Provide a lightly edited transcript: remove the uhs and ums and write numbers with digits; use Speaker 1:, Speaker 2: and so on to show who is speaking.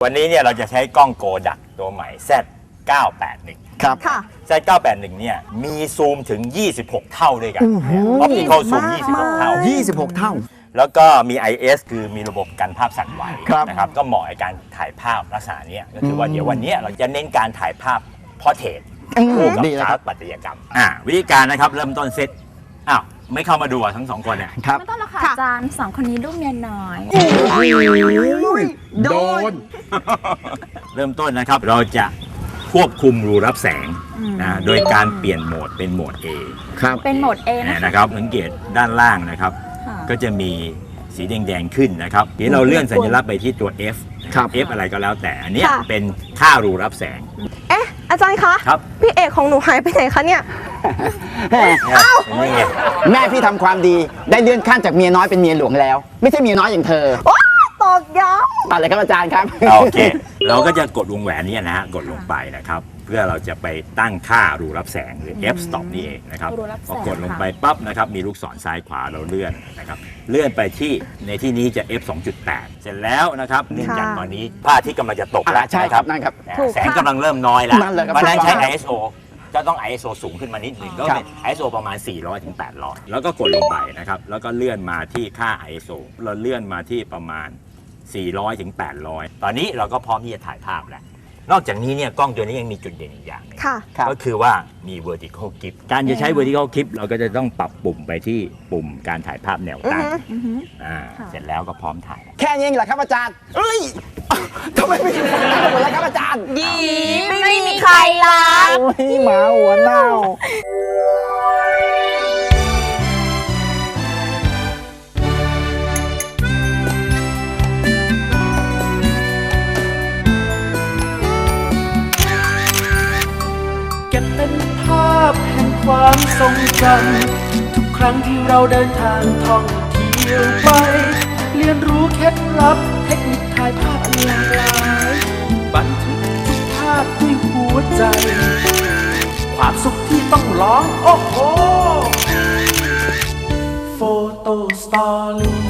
Speaker 1: วันนี้เนี่ยเราจะใช้กล้องโกดักตัวใหม่ Z981
Speaker 2: ครับ
Speaker 3: ค่ะ
Speaker 1: Z981 เนี่ยมีซูมถึง 26 เท่าด้วยกันออปติคอลซูม 26 เท่า
Speaker 2: 26 เท่า
Speaker 1: แล้วก็มี IS คือมีระบบกันภาพสั่นไหว
Speaker 2: ครับ
Speaker 1: นะครับก็เหมาะในการถ่ายภาพลักษณะนี้ก็คือว่าเดี๋ยววันนี้เราจะเน้นการถ่ายภาพพอร์เทรตคู่กับ
Speaker 2: ดีเลย
Speaker 1: ส
Speaker 2: ค
Speaker 1: ถา
Speaker 2: รับ
Speaker 1: ปัตยกรรมวิธีการนะครับเริ่มต้นเซตอ้าวไม่เข้ามาดูทั้งสองคนเนี่ย
Speaker 2: ครับ
Speaker 4: ไม่ต้องหรอกค่ะอาจารย์สองคนนี้ลูกเมียน้อย
Speaker 2: โดน
Speaker 1: เริ่มต้นนะครับเราจะควบคุมรูรับแสงนะโดยการเปลี่ยนโหมดเป็นโหมด A
Speaker 2: ครับ
Speaker 4: เป็นโหมด A นะคะ
Speaker 1: นะครับสังเกตด้านล่างนะครับ
Speaker 4: ค่ะ
Speaker 1: ก็จะมีสีแดงๆขึ้นนะครับทีนี้เราเลื่อนสัญลักษณ์ไปที่ตัว F
Speaker 2: ครับ
Speaker 1: F อะไรก็แล้วแต่อันเนี้ย
Speaker 3: ค่ะ
Speaker 1: เป็นค่ารูรับแสง
Speaker 3: เอ๊ะ อาจารย์คะ
Speaker 1: ครับ
Speaker 3: พี่เอกของหนูหายไปไหนคะเนี่ย
Speaker 1: นี่ไง
Speaker 2: แม่พี่ทำความดีได้เลื่อนขั้นจากเมียน้อยเป็นเมียหลวงแล้ว ไม่ใช่เมียน้อยอย่างเธอ
Speaker 3: ตอกย้
Speaker 2: ตัดเลยครับอาจารย์ครับ
Speaker 1: โอเค เราก็จะกดวงแหวนเนี้นะฮะกดลงไปนะครับ เพื่อเราจะไปตั้งค่ารูรับแสงหรือ f stop นี่เองนะครับ
Speaker 4: รูรับแสง
Speaker 1: พอกดลงไปปั๊บนะครับมีลูกศรซ้ายขวาเราเลื่อนนะครับเลื่อนไปที่ในที่นี้จะ f 2.8 เสร็จแล้วนะครับเนื่องจากตอนนี้พระอาทิตย์กำลังจะตกแล้ว
Speaker 2: ใช่ครับนั่นครับ
Speaker 1: แสงกำลังเริ่มน้อยแล้ว
Speaker 2: นั่นเลยครับ
Speaker 1: เพราะฉะนั้นใช้
Speaker 2: ครับ
Speaker 1: ISO ก็ต้อง ISO สูงขึ้นมานิดหนึ่งก็
Speaker 2: ครับ
Speaker 1: เป็น ISO ประมาณ 400 ถึง 800 แล้วก็กดลงไปนะครับ แล้วก็เลื่อนมาที่ค่า ISO เราเลื่อนมาที่ประมาณ 400 ถึง 800 ตอนนี้เราก็พร้อมที่จะถ่ายภาพแล้ว นอกจากนี้เนี่ยกล้องตัวนี้ยังมีจุดเด่นอีกอย่างหนึง
Speaker 3: ค่ะ
Speaker 2: ครับ
Speaker 1: ก็คือว่ามี vertical clip การจะใช้ vertical clip เราก็จะต้องปรับปุ่มไปที่ปุ่มการถ่ายภาพแนวตั้ง
Speaker 4: อือหือ
Speaker 1: เสร็จแล้วก็พร้อมถ่าย
Speaker 2: แค่นี้เองเหรอครับอาจารย์เอ้ยทำไมไม่ถึงหมดแล้วครับอาจารย์
Speaker 4: ไม่มีใครรัก
Speaker 2: โอ้ยหมาหัวเน่า
Speaker 5: เก็บเป็นภาพแห่งความทรงจำทุกครั้งที่เราเดินทางท่องเที่ยวไป เรียนรู้เคล็ดลับเทคนิคถ่ายภาพอันหลากหลายบันทึกทุกภาพด้วยหัวใจ ความสุขที่ต้องร้องโอ้โหโฟโต้สตอรี่